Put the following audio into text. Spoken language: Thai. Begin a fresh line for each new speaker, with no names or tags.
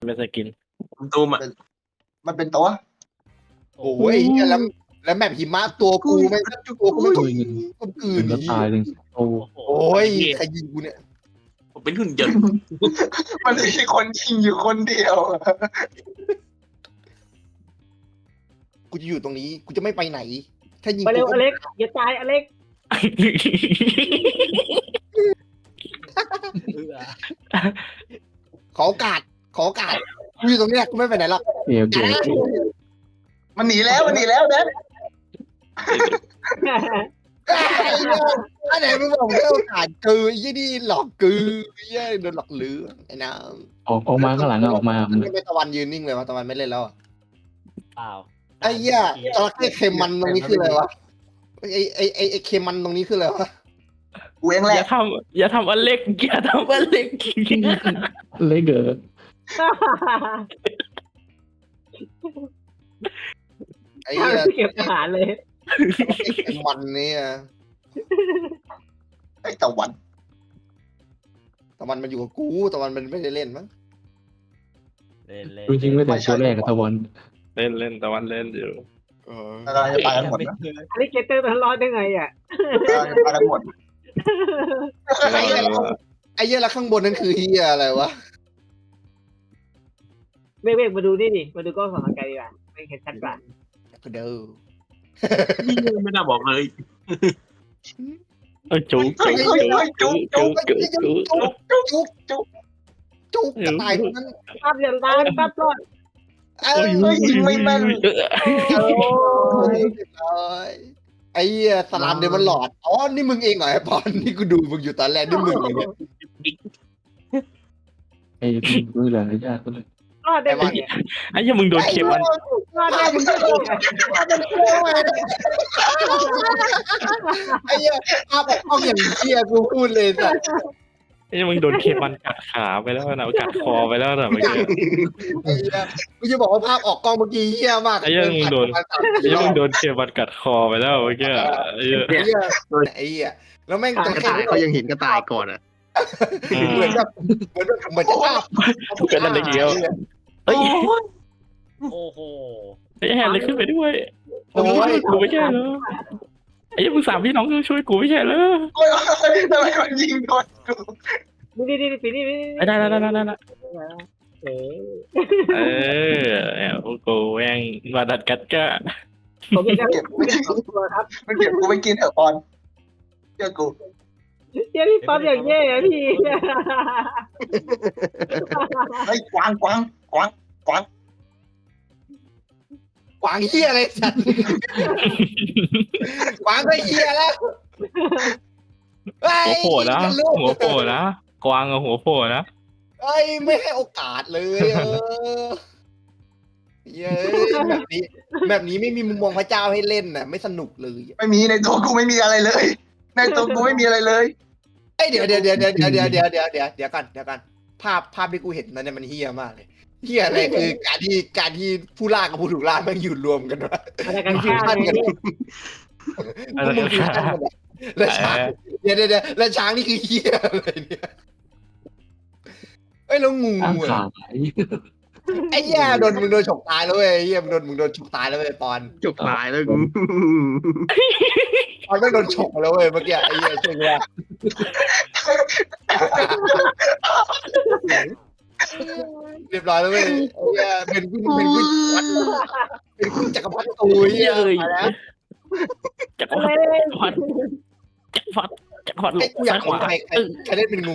เป็นสกิน
ตูมอ่ะ
มันเป็นตัว
โอ้ยแล้วแมปหิมะตัวกูไม่ตัวกูไม่ต้องคนอื่
ถึ
น
งก็ตายเลยโอ้
โอ้ยใครยิงกูเนี่ย
ผมเป็นหุ่นยนต์
มันมีคนยิงอยู่คนเดียว
กูจะอยู่ตรงนี้กูจะไม่ไปไหน ถ้ายิง
ไปเร็ว
กู
อเล็กอย่าตายอเล็ก
ขอโอกาสกูอยู่ตรงเนี้ยกูไม่ไปไหนหรอก
เกี่ยว
มันหนีแล้วเด็ด
อันไหนมึงบอกให้โอกาสกูไอ้ยี่นี่หลอกกูไอ้ยี่โดนหลอกลือไอ้น้
ออกมาข้างหลังออกมา
ำมันไม่ตะวันยืนนิ่งเลยวะตะวันไม่เล่นแล้ว
เปล่า
ไอ้เหี้ยจระเข้เค็มมันตรงนี้คืออะไรวะไอ้เค็มมันตรงนี้คืออะไรวะ
กูเองแห
อ
ละ
ย่าทำอเล็กอย่าทำอเล็ก
เล็กเกอ
ไอ้เหี้ย
เก็บอาหารเลย
เค็มมันเนี่ย
ไอ้ตะวัน
ตะวันมันอยู่กับกูตะวันมันไม่ได้เล่นมั้ง
จริงๆไม่แต่ตัวแรกกับตะวัน
เล่นตะวันเล่นอยู่
แล้วเราจะไปกันหมดนะ
อเล็กเกเตอร์มันรอดได้ไงอ่ะ
เราจะไปกันหมด
ไอ้เหี้ยแล้วข้างบนนั่นคือเหี้ยอะไรวะ
เวกมาดูนี่ดิมาดูกล้องส่องทางไกลดีกว่าไม่เห็นชัดกว่า
เด้อ
ไม่น่าบอกเลย
จุ๊กจุ๊ก
จุกกระต่ายคนนั้น
ปั๊บอย่าตายปั๊บรอด
เอ้ย
ยิงไม่แม่น
ไอ้เหี้ยสลามเดมอนหลอดอ๋อนี่มึงเองเหรอไอ้ปอนนี่กูดูมึงอยู่ตอนแรกนี่มึงเองเนี่ย
ไอ้มือเหลือยากเลย
รอดได้ไงเนี่ย
ไอ้ยังมึงโดนเข็มมัน
รอดได้มึงก็โดน
ไอ้เหี้ยภาพออกกล้องอย่างเหี้ยกูพูดเลยสัส
ไอ้ยังมึงโดนเข็มมันกัดขาไปแล้วนะกัดคอไปแล้วนะเมื่อกี้
ไอ้เหี้ยกูจะบอกว่าภาพออกกล้องเมื่อกี้เหี้ยมาก
ไอ้ยังมึงโดนเข็มมันกัดคอไปแล้วเมื่อกี้ไอ้
ไอ้เหี้ยแล้วแม่ง
กระต่ายเขายังเห็นกระต่ายก่อนอ่ะ
เหมือนจะภาพ
ก็นั่นเลยเดียวเฮ้ย
โอ้โห
ไอ้แฮนเลยขึ้นไปด้วย
โอ้ย
กูไม่ใช่เหรอไอ้ยังมึงสามพี่น้องช่วยกูไม่ใช่เหรอ
โอ้ยทำไมมันยิงโดนกู
นี่ปีนี่
ได้
เอ๊ะ
พวกกูแม่งมาดัดกัดก้า
ผมจะเก็บไม่ได้ตัวครับ
มันเก็บกูไปกินเถอะปอนเชื่อกู
เดี๋ยวพี่ปั๊บอย่างแย่พี่
เฮ้ยกวาง
กวางเหี้ยอะไรสัตว์กวางก็เหี้ยแล้ว
หัวโผล่นะกวางกับหัวโผล่นะ
เอ้ยไม่ให้โอกาสเลยเย้แบบนี้ไม่มีมุมมองพระเจ้าให้เล่นน่ะไม่สนุกเลย
ไม่มีในตัวกูไม่มีอะไรเลย ในตัวกูไม่มีอะไรเลย
เอ้ยเดี๋ยวกันภาพที่กูเห็นนั้นเนี่ยมันเฮี้ยมากเลยเฮี้ยอะไรคือการที่ผู้ล่ากับผู้ถูกล่าแม่งอยู่รวมกันวะ
อะไรกันข้างนี่
มึงฟิวชั่นกันแล้วช้างแล้วช้างนี่คือเฮี้ยอะไรเนี่ยเอ้ยแล้วงู
อ้าง
อ่ะ
ขาย
ไอ้เหี้ยมึงโดนฉกตายแล้วเว้ยไอ้เหี้ยมึงโดนฉกตายแล้วเว้ยปอน
จบตายแล้วกู
ปอนไม่โดนฉกแล้วเว้ยเมื่อกี้ไอ้เหี้ยช่วยว่าเรียบร้อยแล้วเว้ยไอ้เหี้ยเป็นคุณจักรพรรดิตูเหี้ยมาแล้ว
จักรพรรดิ
ไอ้กูอยากเห็นใครเล่นเป็นงู